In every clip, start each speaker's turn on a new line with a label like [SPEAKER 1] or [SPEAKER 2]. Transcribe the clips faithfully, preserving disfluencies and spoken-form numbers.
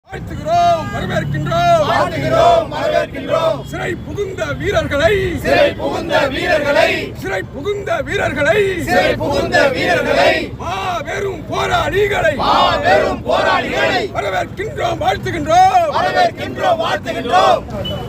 [SPEAKER 1] வாழ்த்துகிறோம், வரவேற்கின்றோம்,
[SPEAKER 2] வாழ்த்துகிறோம், வரவேற்கின்றோம்.
[SPEAKER 1] சிறை புகுந்த வீரர்களை
[SPEAKER 2] சிறை புகுந்த வீரர்களை
[SPEAKER 1] சிறை புகுந்த வீரர்களை
[SPEAKER 2] சிறை புகுந்த வீரர்களை
[SPEAKER 1] மாபெரும் போராளிகளை
[SPEAKER 2] மாபெரும் போராளிகளை
[SPEAKER 1] வரவேற்கின்றோம், வாழ்த்துகின்றோம்,
[SPEAKER 2] வரவேற்கின்றோம், வாழ்த்துகின்றோம்.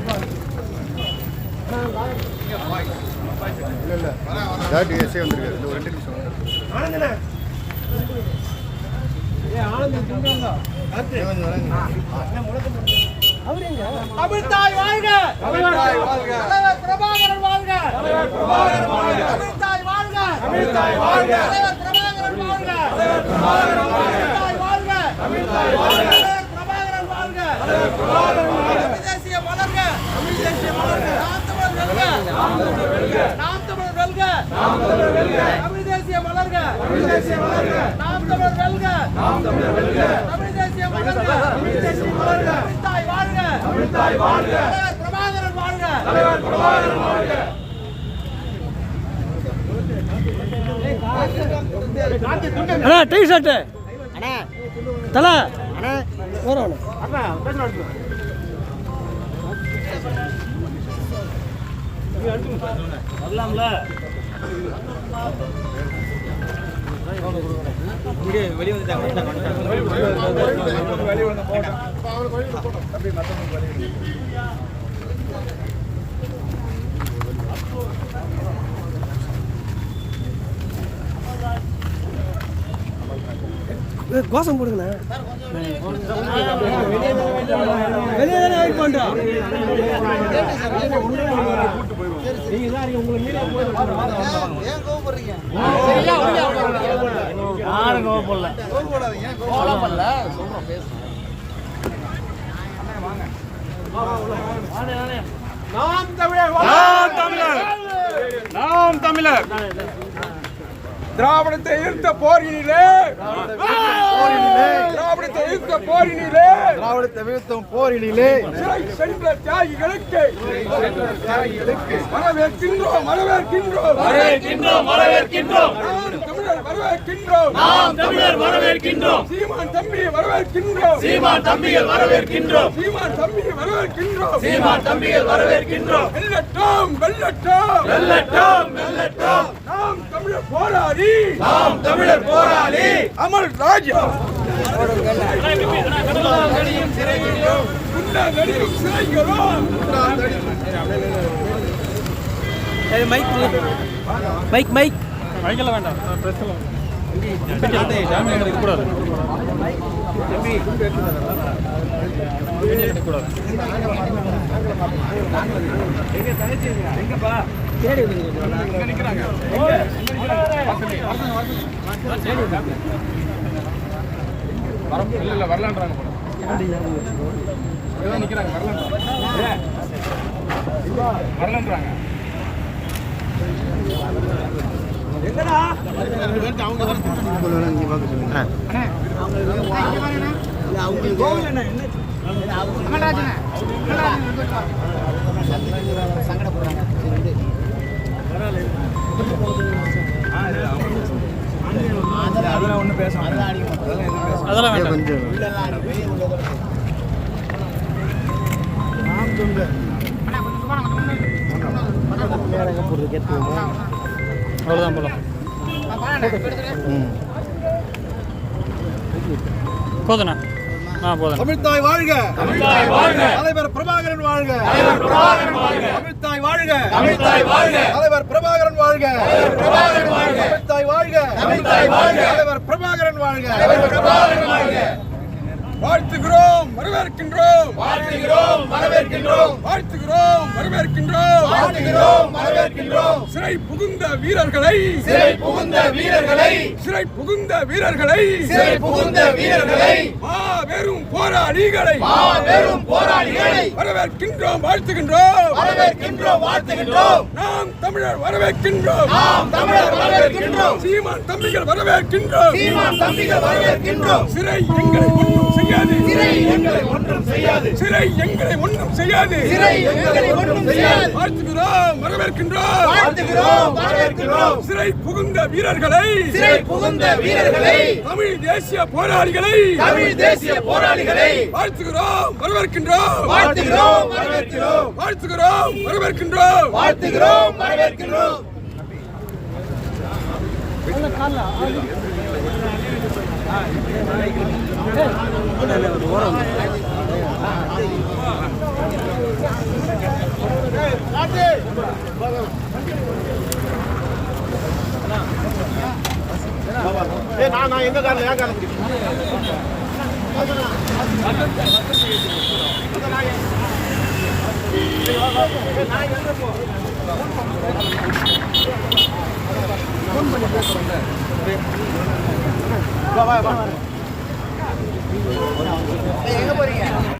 [SPEAKER 3] தமிழ்தாய் வாழ்க,
[SPEAKER 2] தமிழ்தாய் வாழ்க,
[SPEAKER 3] தலைவர் பிரபாகரன் வாழ்க,
[SPEAKER 2] தலைவர் பிரபாகரன் வாழ்க,
[SPEAKER 3] தமிழ்தாய் வாழ்க,
[SPEAKER 2] தமிழ்தாய் வாழ்க,
[SPEAKER 3] தலைவர் பிரபாகரன் வாழ்க,
[SPEAKER 2] தலைவர் பிரபாகரன் வாழ்க,
[SPEAKER 3] தமிழ்தாய் வாழ்க,
[SPEAKER 2] தமிழ்தாய் வாழ்க,
[SPEAKER 3] தலைவர் பிரபாகரன் வாழ்க,
[SPEAKER 2] தலைவர் பிரபாகரன் வாழ்க.
[SPEAKER 3] தமிழ் தேசிய மலர்க,
[SPEAKER 2] தமிழ் தேசிய மலர்க,
[SPEAKER 3] நாம் தமிழர் வெல்க,
[SPEAKER 2] நாம் தமிழர் வெல்க,
[SPEAKER 3] நாம் தமிழர் வெல்க,
[SPEAKER 2] நாம் தமிழர் வெல்க.
[SPEAKER 3] தமிழ் தேசிய மலர்க,
[SPEAKER 2] தமிழ் தேசிய மலர்க,
[SPEAKER 3] நாம் தமிழர் வெல்க,
[SPEAKER 2] நாம் தமிழர் வெல்க,
[SPEAKER 3] தமிழ் தேசிய மலர்க,
[SPEAKER 2] தமிழ் தேசிய மலர்க,
[SPEAKER 3] தமிழ்தாய் வாழ்க,
[SPEAKER 2] தமிழ்தாய் வாழ்க,
[SPEAKER 3] தலைவர் பிரபாகரன் வாழ்க.
[SPEAKER 2] தலைவர் பிரபாகரன் வாழ்க.
[SPEAKER 4] அண்ணா டீ ஷர்ட்டு அண்ணா தலை அண்ணா வரும் வரலாம்ல வெளியே கோஷம் போடுங்கண்ணா வெளியே தானே வெயிட் பண்ணுறோம் நீங்கள் தான் உங்களுக்கு
[SPEAKER 3] ஏன் கோவப்படுறீங்க?
[SPEAKER 4] யாரும் கோவப்படல
[SPEAKER 3] கோவப்படாதீங்க, கோவப்படல. சொல்றோம், பேசுறோம். நாம் தமிழர்
[SPEAKER 1] நாம் தமிழர், நாம் தமிழர். திராவிடத்தை எதிர்த்த போரினிலே திராவிடத்தை எதிர்த்த போரினிலே
[SPEAKER 2] திராவிடத்தை வீழ்த்தும் போரினிலே
[SPEAKER 1] சிறை சென்ற தியாகிகளுக்கு வரவேற்கின்றோம், வரவேற்கின்றோம்,
[SPEAKER 2] வரவேற்கின்றோம், வரவேற்கின்றோம்.
[SPEAKER 1] நாம் தமிழர் வரவேற்கின்றோம்,
[SPEAKER 2] நாம் தமிழர் வரவேற்கின்றோம்.
[SPEAKER 1] சீமான் தம்பி வரவேற்கின்றோம்,
[SPEAKER 2] சீமான் தம்பிகள் வரவேற்கின்றோம்.
[SPEAKER 1] சீமான் தம்பி வரவேற்கின்றோம்,
[SPEAKER 2] சீமான் தம்பிகள் வரவேற்கின்றோம்.
[SPEAKER 1] வெல்லட்டும், வெல்லட்டும்,
[SPEAKER 2] வெல்லட்டும், வெல்லட்டும்.
[SPEAKER 1] நாம் தமிழர் போராடி,
[SPEAKER 2] நாம் தமிழர் போராளி
[SPEAKER 1] அமர் ராஜா
[SPEAKER 2] குண்டாங்கடியும் சிறைகளிலும்
[SPEAKER 1] குண்டாங்கடியும் சிறைகளும்
[SPEAKER 4] மைக் மைக் மைக்
[SPEAKER 1] மைக்கெல்லாம் வேண்டாம், கூடாது இல்ல வரலான்றாங்க நிக்கிறாங்க, வரலான்றாங்க. எங்கடா அதெல்லாம் ஒண்ணு பேச அதெல்லாம் வேண்டாம். அவ்வளோதான் போலாம் போதுண்ணா. ஆ போதும்.
[SPEAKER 2] தமிழ்தாய் வாழ்க, தமிழ்தாய் வாழ்க, தலைவர் பிரபாகரன் வாழ்க, தலைவர் பிரபாகரன் வாழ்க, தமிழ்தாய் வாழ்க, தமிழ்தாய் வாழ்க, தலைவர் பிரபாகரன் வாழ்க, தலைவர் பிரபாகரன் வாழ்க, தமிழ்தாய் வாழ்க, தமிழ்தாய் வாழ்க, தலைவர் பிரபாகரன் வாழ்க, தலைவர் பிரபாகரன் வாழ்க.
[SPEAKER 1] வாழ்த்துகிறோம், வரவேற்கின்றோம்,
[SPEAKER 2] வாழ்த்துகிறோம், வரவேற்கின்றோம்,
[SPEAKER 1] வாழ்த்துகிறோம், வரவேற்கின்றோம்,
[SPEAKER 2] வாழ்த்துகிறோம், வரவேற்கின்றோம்.
[SPEAKER 1] சிறை புகுந்த வீரர்களை
[SPEAKER 2] சிறை புகுந்த வீரர்களை
[SPEAKER 1] சிறை புகுந்த வீரர்களை
[SPEAKER 2] சிறை புகுந்த வீரர்களை
[SPEAKER 1] மாபெரும் போராளிகளை
[SPEAKER 2] மாபெரும் போராளிகளை
[SPEAKER 1] வரவேற்கின்றோம், வாழ்த்துகின்றோம்,
[SPEAKER 2] வரவேற்கின்றோம், வாழ்த்துகின்றோம்.
[SPEAKER 1] நாம் தமிழர் வரவேற்கின்றோம்,
[SPEAKER 2] நாம் தமிழர் வரவேற்கின்றோம்.
[SPEAKER 1] சீமான் தம்பிகள் வரவேற்கின்றோம்,
[SPEAKER 2] சீமான் தம்பிகள் வரவேற்கின்றோம்.
[SPEAKER 1] சிறை எங்களை ஒன்றும் செய்யாது,
[SPEAKER 2] சிறை எங்களை ஒன்றும் செய்யாது,
[SPEAKER 1] சிறை எங்களை ஒன்றும் செய்யாது,
[SPEAKER 2] சிறை எங்களை ஒன்றும் செய்யாது.
[SPEAKER 1] வாழ்த்துகிறோம், வரவேற்கின்றோம்,
[SPEAKER 2] வாழ்த்துகிறோம், வரவேற்கிறோம்.
[SPEAKER 1] சிறை புகுந்த வீரர்களை
[SPEAKER 2] சிறை புகுந்த வீரர்களை
[SPEAKER 1] தமிழ் தேசிய போராளிகளை
[SPEAKER 2] தமிழ் தேசிய தேசிய போராளிகளை
[SPEAKER 1] வாழ்த்துகிறோம் வரவேற்கின்றோம்
[SPEAKER 2] வாழ்த்துகிறோம் வரவேற்கிறோம்
[SPEAKER 1] வாழ்த்துகிறோம் வரவேற்கின்றோம்
[SPEAKER 2] வாழ்த்துகிறோம் வரவேற்கிறோம் நான் நான் எங்க காரணம் ஏன் காரணம் எங்க போறீங்க